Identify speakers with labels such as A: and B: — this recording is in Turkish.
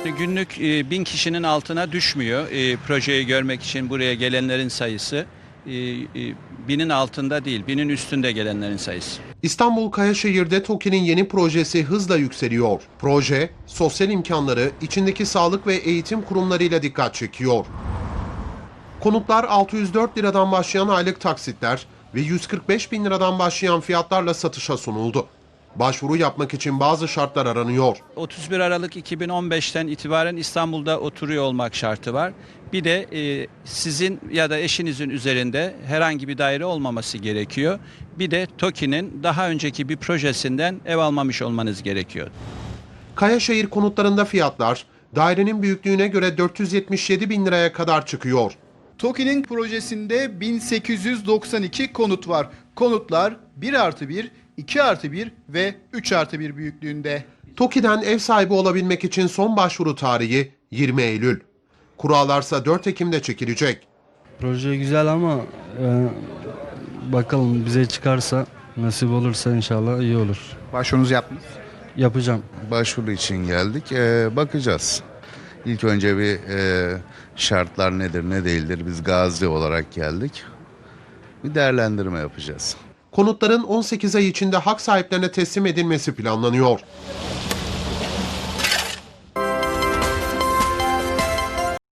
A: Günlük 1000 kişinin altına düşmüyor. Projeyi görmek için buraya gelenlerin sayısı. 1000'in altında değil, 1000'in üstünde gelenlerin sayısı.
B: İstanbul Kayaşehir'de TOKİ'nin yeni projesi hızla yükseliyor. Proje, sosyal imkanları, içindeki sağlık ve eğitim kurumlarıyla dikkat çekiyor. Konutlar 604 liradan başlayan aylık taksitler ve 145 bin liradan başlayan fiyatlarla satışa sunuldu. Başvuru yapmak için bazı şartlar aranıyor.
A: 31 Aralık 2015'ten itibaren İstanbul'da oturuyor olmak şartı var. Bir de sizin ya da eşinizin üzerinde herhangi bir daire olmaması gerekiyor. Bir de TOKİ'nin daha önceki bir projesinden ev almamış olmanız gerekiyor.
B: Kayaşehir konutlarında fiyatlar dairenin büyüklüğüne göre 477 bin liraya kadar çıkıyor.
C: TOKİ'nin projesinde 1892 konut var. Konutlar 1+1, 2+1 ve 3+1 büyüklüğünde.
B: TOKİ'den ev sahibi olabilmek için son başvuru tarihi 20 Eylül. Kurallarsa 4 Ekim'de çekilecek.
D: Proje güzel ama bakalım bize çıkarsa, nasip olursa inşallah iyi olur.
C: Başvurunuzu yaptınız.
D: Yapacağım.
E: Başvuru için geldik. Bakacağız. İlk önce bir şartlar nedir ne değildir biz gazi olarak geldik. Bir değerlendirme yapacağız.
B: Konutların 18 ay içinde hak sahiplerine teslim edilmesi planlanıyor.